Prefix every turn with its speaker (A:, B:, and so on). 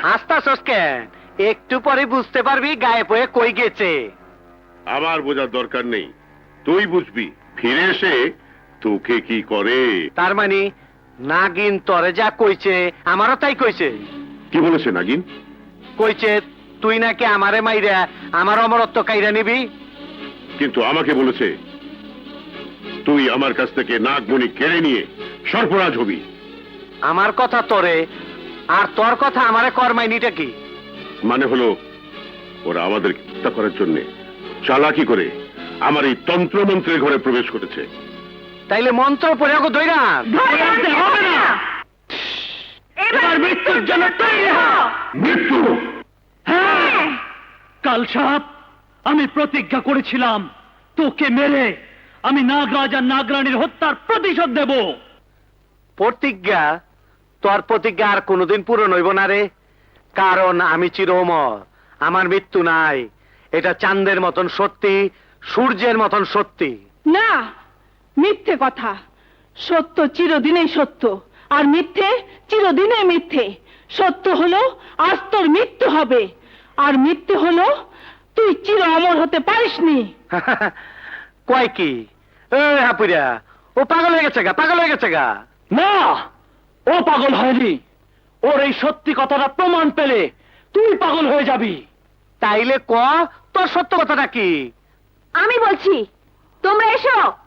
A: হাসতাছস কেন? একটু পরে বুঝতে পারবি গায়েব হয়ে কই গেছে।
B: আমার বোঝার দরকার নেই, তুই বুঝবি ফিরে এসে তোকে কি করে।
A: তার মানে নাগিন তরে যা কইছে আমারও তাই কইছে।
B: কি বলেছে নাগিন?
A: কইছে তুই নাকি আমারে মাইরা আমার অমরত্ব কাইরা নিবি।
B: কিন্তু আমাকে বলেছে তুই আমার কাছ থেকে নাগমণি কেড়ে নিয়ে সর্পরাজ হবি।
A: আমার কথা তোরে আর তোর কথা আমারে কর্মাইনিটা কি?
B: মানে হলো ওরা আমাদের হত্যা করার জন্য চালাকি করে আমার এই তন্ত্রমন্ত্রের ঘরে প্রবেশ করেছে।
A: তাইলে মন্ত্র পড়ে ওকে দইরা
C: হবে না, এবার মৃত্যুর জন্য তৈরি হ।
B: মৃত্যু?
C: হ্যাঁ, কাল সাপ আমি প্রতিজ্ঞা করেছিলাম তোকে মেরে আমি নাগরাজ আর নাগরানীর হত্যার প্রতিশোধ দেব।
A: প্রতিজ্ঞা? তোর প্রতিজ্ঞা আর কোনোদিন পূরণ হইব না রে, কারণ আমি চির অমর, আমার মৃত্যু নাই। এটা চাঁদের মতন সত্যি, সূর্যের মতন সত্যি।
D: না, মিথ্যে কথা। সত্য চিরদিনেই সত্য, আর মিথ্যে চিরদিনে মিথ্যে। সত্য হলো আজ তোর মৃত্যু হবে, আর মিথ্যে হলো তুই চির অমর হতে পারিসনি।
A: কয় কি? হাপুরা, ও পাগল হয়ে গেছে গা, পাগল হয়ে গেছে গা।
C: না, ও পাগল হয়নি। ওর এই সত্যি কথাটা প্রমাণ পেলে তুই পাগল হয়ে যাবি।
A: তাইলে ক, তোর সত্য কথাটা কি?
D: আমি বলছি, তোমরা এসো।